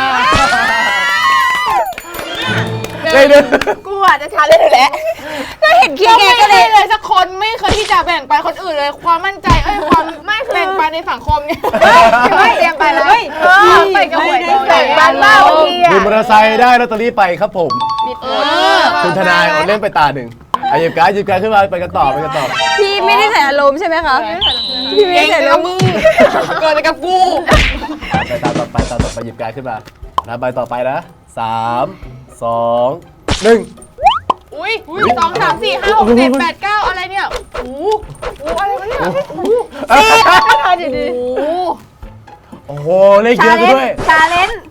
Speaker 1: เลขหนึ่ง
Speaker 3: กูอ่ะจะชาเลยอยู่แล้ว
Speaker 5: ก็เห็นคิด
Speaker 2: ก็
Speaker 5: ไง
Speaker 2: ไม่
Speaker 5: ก็
Speaker 2: เค
Speaker 5: เลย
Speaker 2: ยเลยสักคนไม่เคยที่จะแบ่งปันคนอื่นเลย ความมั่นใจเอ้ยความ
Speaker 3: ไม่คือ
Speaker 2: แบ่งปันในสังคมเนี่ย
Speaker 3: ไม่เตรียมไปแล้วเออไปกับหวยแบ่งปันบ้างบางทีอ่ะ
Speaker 1: วินมอเตอร์ไซค์ได้ลอตเตอรี่ไปครับผม
Speaker 2: เออ
Speaker 1: คุณทนายเอาเล่นไปตาหนึ่งอ่ะหยิบการ์ดหยิบการ์ดขึ้นมาไปกันต่อไปกันต่อ
Speaker 5: พี่ไม่ได้ใส่อารมณ์ใช่ไหมคะพี่ไม่
Speaker 2: เก่
Speaker 5: ได้
Speaker 2: ง
Speaker 5: ใส่
Speaker 2: แต่
Speaker 5: อาร
Speaker 2: ละ
Speaker 5: มณ์
Speaker 2: มือเกิดอะไรกับกู
Speaker 1: ไปตามต่อไปตามต่อไปหยิบการ์ดขึ้นมานะใบต่อไปนะสามสองหนึ่ง
Speaker 2: อุ้ยสองสามสี่ห้าหกเจ็ดแปดเก้าอะไรเนี่ยโอ้โหโอ้โหอะไรวะเนี่ย
Speaker 1: โอ้โหเลขเยอะซะด้วย
Speaker 3: ชาเลนจ์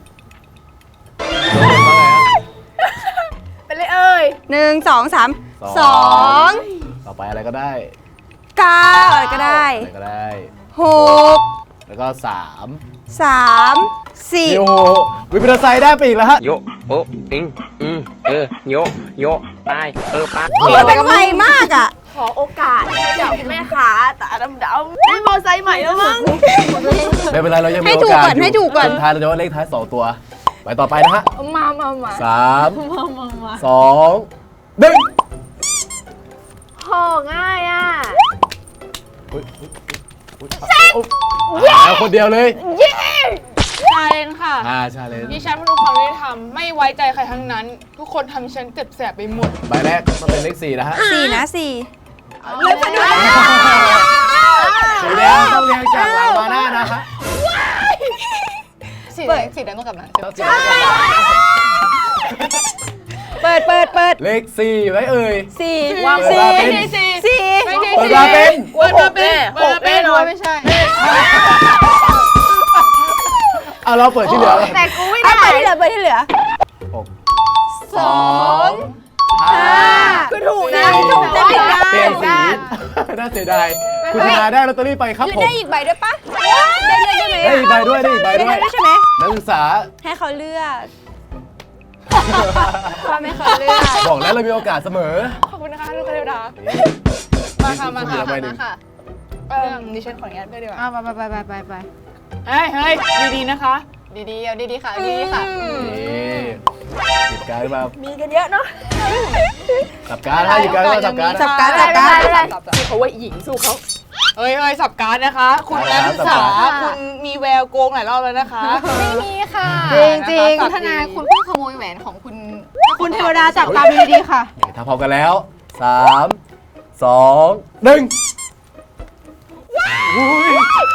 Speaker 3: เป็นเลยเอ้ย
Speaker 5: หนึ่งสองสามสอง
Speaker 1: ต่อไปอะไรก็ได้
Speaker 5: เก้าอะไรก็ได้
Speaker 1: อะไรก็ได้
Speaker 5: หก
Speaker 1: แล้วก็สาม
Speaker 5: สามสี่
Speaker 1: โอ้โหวินมอเตอร์ไซค์ได้ไปอีกแล้วฮะ
Speaker 8: โยโออิงอืมเออโยโยไปเออไป
Speaker 5: โอ้ยเป็นไวมากอ่ะ
Speaker 3: ขอโอกาสให้กับแม่ค้าตาดำๆได้มอไซค์ใหม่แล้วมั้ง
Speaker 1: ไม่เป็นไรเรายังมี
Speaker 5: ให้
Speaker 1: โอ
Speaker 5: ถูก
Speaker 1: กาส
Speaker 5: ก่อน
Speaker 1: อยู่
Speaker 5: ให้ถูกก่อน
Speaker 1: สุดท้ายเราจะว่าเลขท้ายสองตัวไปต่อไปนะฮะ
Speaker 2: มามามา
Speaker 1: สามสองหนึ่ง
Speaker 3: โหง่ายอ่ะ
Speaker 1: อุ๊ยอุ๊ยอุ๊ยอุ๊ยอ่าคนเดียวเลย
Speaker 2: ชาเลนจ์ค่ะ
Speaker 1: อ่าชาเลนจ์
Speaker 2: ดิฉันไม่รู้ความยุติธรรมไม่ไว้ใจใครทั้งนั้น ทุกคนทำดิฉันเจ็บแสบไปหมด
Speaker 1: ใบแรกต้องเป็นเลขสี่นะฮะ
Speaker 5: สี่นะสี่
Speaker 3: เลือกไปด้วย
Speaker 1: สีแดงต้องเรียงจากหลังมาหน้านะฮะ
Speaker 2: สีแดงสีแดงต้องกลับมา
Speaker 1: ต้องสีแดงก่อน
Speaker 5: เปิดเปิดเปิด
Speaker 1: เลขสี่ไว้เอ่ย
Speaker 5: สี่
Speaker 1: วาง
Speaker 5: สี่
Speaker 1: เป็น
Speaker 2: สี่
Speaker 5: สี่
Speaker 2: ไม่ใช่
Speaker 1: เปิด
Speaker 2: สี่
Speaker 1: มาเป็น
Speaker 2: เปิดมาเป็นเปิดมาเป็น
Speaker 3: ไม่ใช่
Speaker 1: เอาเราเปิดที่เหลือเลย
Speaker 3: แต่กูไม่
Speaker 5: เอา
Speaker 3: ได้
Speaker 5: เปิดที่เหลือเปิดที่เหลือ
Speaker 1: หก
Speaker 5: สอง
Speaker 1: ห้า
Speaker 3: คือถูกนะ
Speaker 5: ถูกแต่ผิดด้าน
Speaker 1: เปลี่ยนสีน่าเสียดายคุณชนะได้ลอตเตอรี่ไปครับผม
Speaker 5: ได้อีกใบด้วยปะได้ด้วยได้ไหม
Speaker 1: ได้อีกใบด้วยได้อีกใบ
Speaker 5: ได้
Speaker 1: ด้วย
Speaker 5: ด้วยใช่ไหม
Speaker 1: นักศึกษา
Speaker 5: ให้เขาเลือก
Speaker 4: ว่าไม่เคยเลือก
Speaker 1: บอกแล้วเรามีโอกาสเสมอ
Speaker 2: ขอบคุณนะคะทุกคนเทวดา
Speaker 1: นี่
Speaker 2: มาค่ะมาค่ะ
Speaker 1: ณเหลือใบหนึ่ง
Speaker 2: เออดิฉันขออนุญาตด้วยดีกว่า
Speaker 3: อ่ะไปไปไปไปไป
Speaker 2: เฮ้ยเฮ้ยดีๆนะคะ
Speaker 4: ดีๆเอาดีๆค่ะดีๆค่ะ
Speaker 1: นี่หยิบการ์ดขึ้นมา
Speaker 3: มีกันเยอะเนาะ
Speaker 1: สับการ์ดฮะหยิบการ์ดขึ้นมาสับการ์ด
Speaker 5: สับการ์ดสับการ์ด
Speaker 3: ที่เขาว่าหญิงสู้เขา
Speaker 6: เอ้ยเอ้ยสับการ์ดนะคะ คุณนักศึกษาคุณมีแววโกงหลายรอบแล้วนะคะ
Speaker 4: ไม่มีค่ะ
Speaker 6: จริงจริง
Speaker 4: คุณทนายคุณเพิ่งขโมยแหวนของคุณ
Speaker 2: คุณเทวดาจับตาดูดีๆค่ะ
Speaker 1: ถ้าพร้อมกันแล้วสามสองหนึ่งอุ้ย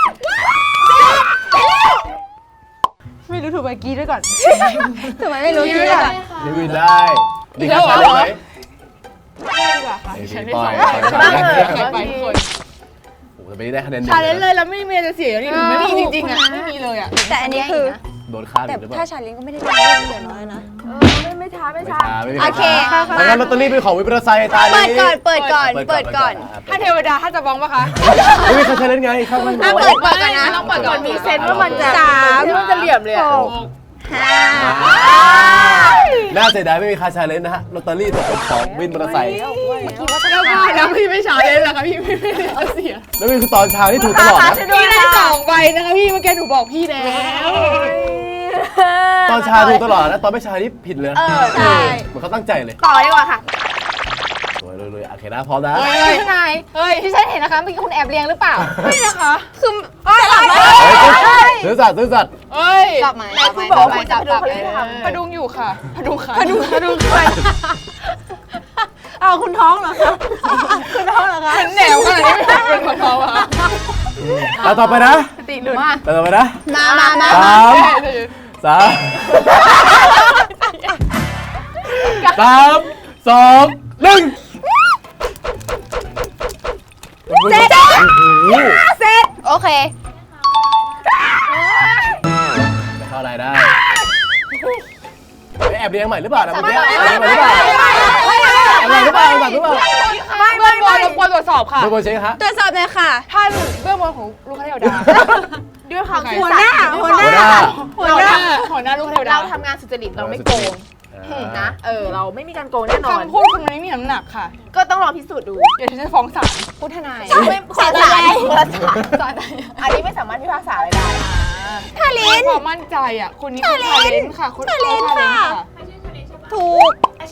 Speaker 2: ไม่รู้ถูกไปกี้ด้วยก่อน
Speaker 5: ทำไมไม่รู้ชื่ออ่ะ
Speaker 1: ลิวินได้ดีครับได้ไหมไม่ปล่อยปล่อย
Speaker 6: บ้างเหรอ
Speaker 1: โ
Speaker 6: ไปคน
Speaker 1: อ้โหจะไปได้คะแนนหนึ่ง
Speaker 6: ชาเลนจ์เลยแล้วไม่มีอะไรจะเสียนี่ไม่มีจริงๆอ่ะไม่มีเลยอ่ะ
Speaker 5: แต่อันนี้คือ
Speaker 1: โดนฆ่า
Speaker 5: แต่
Speaker 1: หรือเปล่า
Speaker 5: ถ้าชาเลนจ์ก็ไม่ได้เรื่องเดือดร้อนนะ
Speaker 3: ไม่ไม่ช้าไม่
Speaker 1: ไม่
Speaker 3: ช้า
Speaker 1: ช้าไม่มี
Speaker 5: โอเค
Speaker 1: ดังนั้นลอตเตอรี่เป็นของวิปรไซตา
Speaker 5: เปิ
Speaker 1: นี้
Speaker 5: ดก่อน เปิดก่อน เปิดก่อน
Speaker 6: ถ้าเทวดาถ้าจะบ้องปะคะ
Speaker 1: ไม่มีใครชาเลนจ์ไงข้างมัน
Speaker 5: อ่ะเปิดเปิดก่อนนะ
Speaker 6: ต้องเปิดก่อน
Speaker 3: มีเซนส์ว่ามันจะ
Speaker 5: สาม
Speaker 3: ที่มันจะเหลี่ยมเลยอะ
Speaker 5: ห้า
Speaker 1: น่าเสียดายไม่มีใครชาเลนจ์นะฮะลอตเตอรี่ตกเป็นของวินมอเตอร์ไซค์
Speaker 6: แล้วก็แล้วพี่ไม่ชาเลนจ์เหรอคะพี่ไม่ได้เสีย
Speaker 1: แล้วนี่คือตอนเช้าที่ถูกตลอดนะ
Speaker 6: พี่ได้สองใบนะคะพี่เมื่อกี้หนูบอกพี่แล้ว
Speaker 1: ตอนเช้าถูกตลอดนะตอนไม่เช้านี่ผิดเลยนะ
Speaker 3: เออใช่
Speaker 1: เหมือนเขาตั้งใจเลย
Speaker 3: ต่อดีกว่าค่ะ
Speaker 1: สวยเลยๆโอเคนะพร้อมนะ
Speaker 6: เฮ้ย
Speaker 4: ทนาย
Speaker 6: เฮ้ย
Speaker 4: ที่ฉันเห็นนะคะเมื่อกี้คุณแอบเรียงหรือเปล่า
Speaker 6: นี่นะคะ
Speaker 5: คือ
Speaker 1: ซื้อสัตว์ซื้อสัตว์
Speaker 6: เฮ้ย
Speaker 4: จับไหม
Speaker 3: ไหนคุณบอกว่าคุณจะไปดูเขาที่ทำ
Speaker 6: พดุงอยู่ค่ะพดุงค่ะ
Speaker 2: พดุงพดุงใครเอาคุณท้องเหรอคะคุณท้องเหรอคะ
Speaker 6: เป็นแหนวขนาดนี้ไม่เป็นคนท้องอ่ะ
Speaker 1: แล้วต่อไปนะ
Speaker 3: ติหลุด
Speaker 1: แล้วต่อไปนะ
Speaker 5: มามามา
Speaker 1: สามสามสามสองหนึ่งเสร็จ
Speaker 5: เสร็จ โอเค
Speaker 1: ไม่เข้าอะไรได้แอบเรียงใหม่หรือเปล่านะเมื่อกี้แอบเรียงใหม่หรือเปล่าแอบเรียงหรือเปล่าแอบหรือเปล่า
Speaker 6: ไม่เบื้องบนรบกวนตรวจสอบค่ะ
Speaker 1: เบอร์บนเช็คฮะ
Speaker 5: ตรวจสอบหน่อยค่ะ
Speaker 6: ท่านเบื้องบนของลูกเทวดา
Speaker 3: ด้วยความ
Speaker 6: หัวหน้า
Speaker 3: หัวหน้า
Speaker 1: หัวหน้า
Speaker 6: หัวหน้าหัวหน้าลูกเทวดา
Speaker 3: เราทำงานสุจริตเราไม่โกงนะเออเราไม่มีการโกงแน่นอน
Speaker 6: คำพูดคุณมันไม่มีน้ำหนักค่ะ
Speaker 3: ก็ต้องลองพิสูจน์ดู
Speaker 6: เดี๋ยวฉันจะฟ้องศาล
Speaker 4: คุณทนาย
Speaker 3: ไม่ขอสารขอสารอันนี้ไม่สามารถพิพากษาอะไรได้
Speaker 5: ทาลิน
Speaker 6: ความมั่นใจอ่ะคนนี้คือทาเลนค่ะคน
Speaker 5: ทาเลนค่ะ ถูก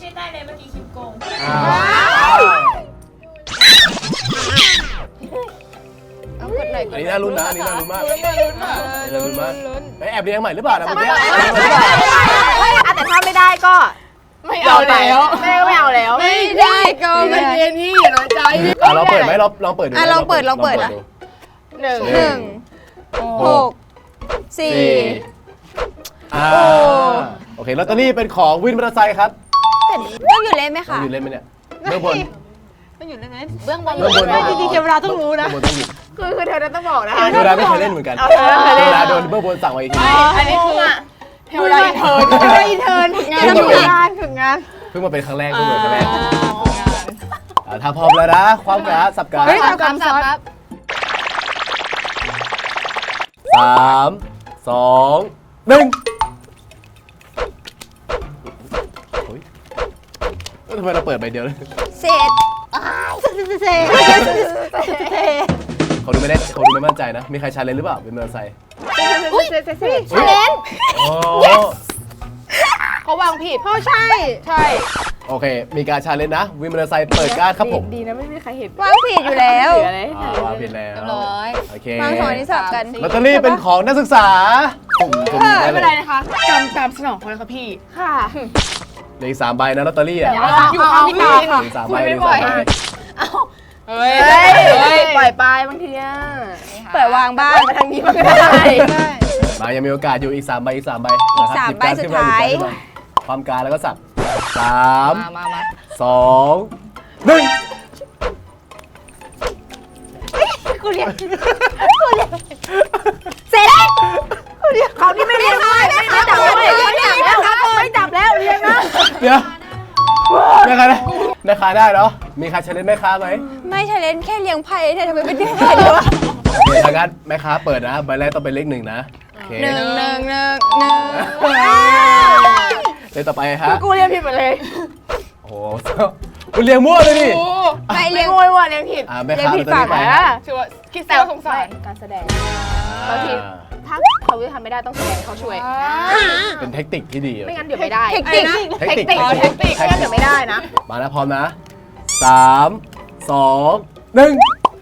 Speaker 4: เอากดหน่อย
Speaker 1: อันนี้น่ารุ้นนะอันนี้น่ารุ้นมาก
Speaker 6: ลุ้นลุ้นอ่ะ
Speaker 1: อันนี้น่ารุ้นมากเอ้ยแอบเรียงใหม่หรือเปล่านะเมื่อกี้
Speaker 3: อ่ะแต่ถ้าไม่ได้ก็
Speaker 6: ไม่เอาแล้ว
Speaker 3: ไม่ได้ก็ไม่เอาแล้ว
Speaker 6: ไม่ได้ก็ไม่เย็นนี่อย่าน้อยใจพี่
Speaker 1: อ่ะเราเปิดไหมเราลองเปิดดู
Speaker 5: อ่ะลองเปิดลองเปิดอ่ะ
Speaker 1: ดู
Speaker 3: หนึ่ง
Speaker 5: หนึ่งหกสี่
Speaker 1: สี่อ่าโอเคลอตเตอรี่เป็นของวินมอเตอร์ไซค์ครับ
Speaker 5: ต้องอยู่เล่นไหม
Speaker 1: ต้อง
Speaker 5: คะ
Speaker 1: อยู่เล่นไหมเนี่ยเบื้องบน
Speaker 2: ต้องอยู่ได้ไหม
Speaker 4: เบื้องบน
Speaker 1: เบื้องบน
Speaker 2: จริงๆเทวดาต้องรู้นะ
Speaker 1: เบื้องบนต้องอยู่
Speaker 3: คือคือเธอต้องบอกนะคะ
Speaker 1: เวลาไม่เคยเล่นเหมือนกัน
Speaker 3: เอาเธอเคยเล่น
Speaker 1: เวลาโดนเบื้องบนสั่งมาอีกที
Speaker 6: อันนี้คือเทวดาอินเทิร์น
Speaker 2: เทวดาอินเทิร์นฝึกงาน
Speaker 1: เพิ่ง
Speaker 2: ฝึ
Speaker 1: มาก เป็น
Speaker 2: งานฝึกงาน
Speaker 1: เพิ่งมาเป็นครั้งแรกเพิ่งมาเป็นครั้งแรก
Speaker 6: งาน
Speaker 1: อ่ะถ้าพร้อมแล้วนะความกราฟสับกราฟ
Speaker 6: เฮ้ย
Speaker 4: สามสามสามครับ
Speaker 1: สามสองหนึ่งโอ้ยเอ้ยทำไมเราเปิดใบเดียวเลย
Speaker 5: เสร็จ
Speaker 2: เซ่
Speaker 1: เขาดูไม่ได้เขาดูไม่มั่นใจนะ มีใครชาเลนจ์หรือเปล่าเป็นมอเตอร์ไซค์
Speaker 3: อุ้ยเซ่เซ่เซ่
Speaker 1: ชาเลนจ์
Speaker 6: เขาวางผิด
Speaker 2: เขาใช่
Speaker 6: ใช่
Speaker 1: โอเค มีการชาเลนจ์นะวินมอเตอร์ไซค์เปิดการ์ดครับผม
Speaker 3: ดีนะไม่มีใครเห็น
Speaker 5: วางผิดอยู่แล้ว
Speaker 3: เหลืออะไร
Speaker 1: อ่าวางผิดแล้ว
Speaker 4: เรียบร้อย
Speaker 1: โอเค
Speaker 5: วางสองอันนี้สลับกัน
Speaker 1: ลอตเตอรี่เป็นของนักศึกษาผมผมได้
Speaker 6: ไม่
Speaker 1: เล
Speaker 6: เป็นไร
Speaker 1: ย
Speaker 6: นะคะการตามสนองเขาเลยค่ะพี่
Speaker 3: ค่ะ
Speaker 1: เหลืออีกสามใบนะลอตเตอรี่อ่ะ
Speaker 6: อยู่ข้างพี่ตาค่ะ
Speaker 1: เหลืออกสามใบเหลืออกสามใบ
Speaker 6: เฮ้ย
Speaker 3: เฮ้ย
Speaker 6: เฮ้ย
Speaker 3: ปล่อยไปบางทีอ่ะ
Speaker 5: เปิดวางบ้าง
Speaker 3: มาทางนี้มันก็ได้
Speaker 1: มายังมีโอกาสอยู่อีกสามใบอีกสามใบ
Speaker 5: อีก
Speaker 1: นะครับ
Speaker 5: สาม
Speaker 1: หยิการ์
Speaker 5: ใบสุด
Speaker 1: ขึ้นม
Speaker 5: ท้าย
Speaker 1: หบการ์ขึ้นมความการแล้วก็สับสาม
Speaker 4: มามามา
Speaker 1: สองหนึ่ง
Speaker 5: เสร็จ
Speaker 3: เขาที่ไม่เรียนไม่ไม่จับแล้วไม่จับแล้วไม่จับแล้วเรียนนะ
Speaker 1: เดี๋ยวแม่ค้าได้แม่ค้าได้เนาะมีใครชาเลนจ์แม่ค้าไหม
Speaker 5: ไม่ชาเลนจ์แค่เลี้ยงไพ่เนี่ยทำไมเป็นเลี้ยงไพ่ด้วยวะ
Speaker 1: โอเคทางนั้นแม่ค้าเปิดนะใบแรกต้องเป็นเลขหนึ่งนะโอเค
Speaker 5: หนึ่งหนึ่งหนึ่งหนึ่ง
Speaker 1: เลขต่อไปฮะ
Speaker 3: กูเรียนผิดหมดเลย
Speaker 1: โอ้โหคุณเลี้ยงมั่วเลยดิ
Speaker 5: ไม่เลี้
Speaker 3: เลี้
Speaker 5: ย
Speaker 3: ย
Speaker 5: ง
Speaker 3: งโวยว่ะเลี้ยงผิด
Speaker 1: อ่าแม่
Speaker 3: เลี้ยง
Speaker 1: ค้า
Speaker 3: ผิด
Speaker 1: ลอตเตอรี่
Speaker 3: ฝั่ง
Speaker 1: ไป
Speaker 3: นะ
Speaker 6: ถือว่าคิดแซ
Speaker 3: แต่
Speaker 6: วสงสาร
Speaker 3: การแสดงบางทีถ้าเขาทำไม่ได้ต้องแสดงเขาช่วย
Speaker 1: เป็นเทคนิคที่ดี
Speaker 3: ไม่งั้นเดี๋ยวไม่ได้
Speaker 5: เทคนิค
Speaker 1: เทคนิค
Speaker 3: เทคนิคเทคนิคไม่งั้นเดี๋ยวไม่ได้นะ
Speaker 1: มาแล้วพร้อมนะสามสองหนึ่ง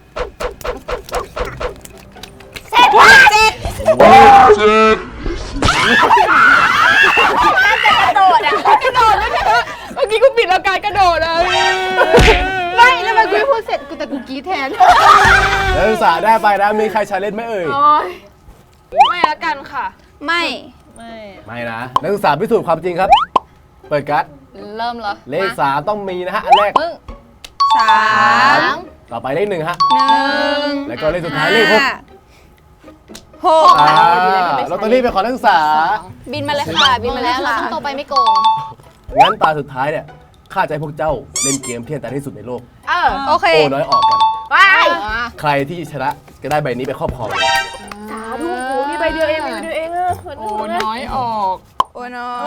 Speaker 6: เมื่อกี้กูปิดแล้วการกระโดดเลย
Speaker 3: ไม่แล้วมันกูไม่พูดเสร็จกูแต่กูกรี้แทน
Speaker 1: นักศึกษาได้ไปนะมีใครชาเลนจ์ไหมเอ่ย
Speaker 3: โอ๊ย
Speaker 6: ไม่ละกันค่ะ
Speaker 5: ไม่
Speaker 1: ไม่นะนักศึกษาพิสูจน์ความจริงครับ เปิดการ์ด
Speaker 4: เริ่มเหรอ
Speaker 1: เลขสามต้องมีนะฮะอันแรก
Speaker 4: มึง
Speaker 5: สาม
Speaker 1: ต่อไปเลขหนึ่งฮะ
Speaker 5: หนึ่ง
Speaker 1: แล้วก็เลขสุดท้ายเลขหก
Speaker 5: หก
Speaker 1: อ่าลอตเตอรี่เป็นของนักศึกษา
Speaker 5: บินมาเลยค่ะ บิน
Speaker 4: มา
Speaker 5: มา
Speaker 4: แล้
Speaker 5: แล้ว ว
Speaker 4: เรา
Speaker 5: ค่ะ
Speaker 4: ต้องโตไปไม่โกง
Speaker 1: งั้นตาสุดท้ายเนี่ยข้าจะให้พวกเจ้าเล่นเกมที่อันตรายที่สุดในโลก
Speaker 3: เออ
Speaker 5: โอเค
Speaker 1: โอ้น้อยออกกัน
Speaker 3: ไป
Speaker 1: ใครที่ชนะก็ได้ใบนี้ไปครอบครองเลย
Speaker 3: สาธุกูมีใบเดียวเองมีใบเดียวเองอะเหมือน
Speaker 6: โอ้น้อยออก
Speaker 5: โอ้น้อย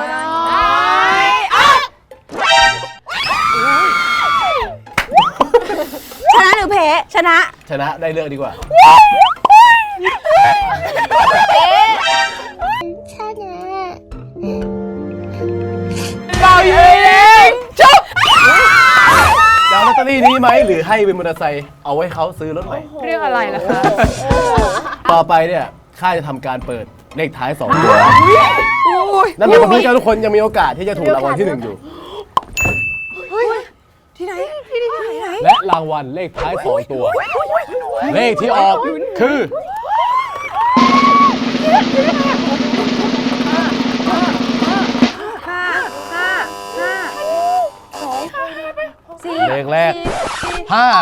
Speaker 5: ชนะหรือแพ้ ชนะ
Speaker 1: ชนะได้เลือกดีกว่า
Speaker 6: เราเองชุบ
Speaker 1: จะเอาลอตเตอรี่นี้ไหมหรือให้เป็นมอเตอร์ไซค์เอาไว้เขาซื้อรถใหม่
Speaker 6: เรียกอะไรล่ะคะ
Speaker 1: ต่อไปเนี่ยข้าจะทำการเปิดเลขท้ายสองตัวนั่นหมายความว่าเจ้าทุกคนยังมีโอกาสที่จะถูกรางวัลที่หนึ่งอยู่
Speaker 5: ที่ไหน ที่ไหนที่ไหน
Speaker 1: และรางวัลเลขท้ายสองตัว เลขที่ออกคือ
Speaker 5: ห้าห้าห้าสองสี่
Speaker 1: เลขแรกห้า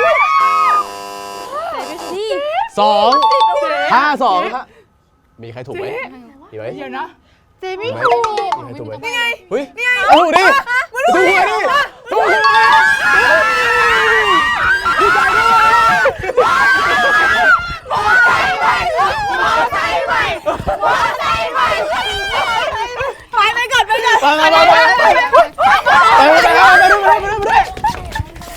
Speaker 5: สี่
Speaker 1: สองห้าสองฮะมีใครถูกไหมมีไหม
Speaker 6: เดี๋ยวนะ
Speaker 3: เจมี่
Speaker 1: มีไหมมีใครถูกไหมนี่ไงเฮ้ยเอาถูกดิถูกหวยดิถูกหวยไปไปก่อนไปก่อนไปไปไปไปไปไปไปไป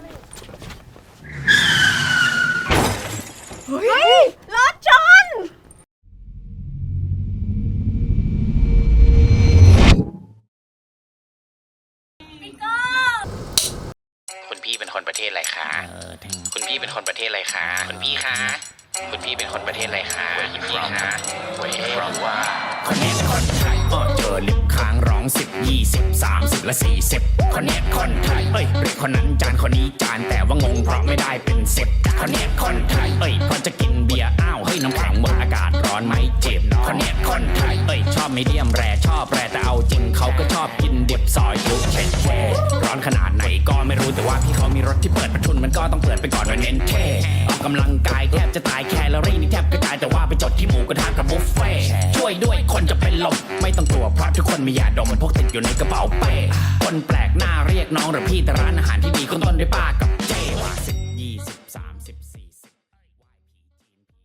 Speaker 8: คุณพี่เป็นคนประเทศอะไรคะคุณพี่เป็นคนประเทศอะไรคะคุณพี่คะคุณพี่เป็นคนประเทศอะไรคะคุณพี่คะเว้ยเพราะว่า
Speaker 9: คนนี้คนไทยเออเจอลิฟต์ค้างร้องสิบยี่สิบสามสิบและสี่สิบคนนี้คนไทยเอ้ยเรียกคนนั้นจานคนนี้จานแต่ว่างงเพราะไม่ได้เป็นสิบคนนี้คนไทยเอ้ยพอจะกินเบียร์อ้าวเฮ้ยน้ำแข็งหมดอากาศร้อนไหมเจ็บคนนี้คนไทยเอ้ยชอบมีเดียมแรชอบแรแต่เอาจริงเขาก็ชอบกินดิบซอยยุเช็ดแช่ร้อนขนาดไหนก็ไม่รู้แต่ว่าพี่เขามีรถที่เปิดประทุนมันก็ต้องเปิดไปก่อนว่าเน้นเท่ออกกำลังกายแทบจะตายแคลอรี่นี่แทบกระจายแต่ว่าไปจดที่หมูกระทะกับบุฟเฟ่ช่วยด้วยคนจะเป็นลมไม่ต้องกลัวเพราะทุกคนมียาดมพกติดอยู่ในกระเป๋าเป้คนแปลกหน้าเรียกน้องหรือพี่แต่ร้านอาหารที่ดีขึ้นต้นด้วยป้ากับ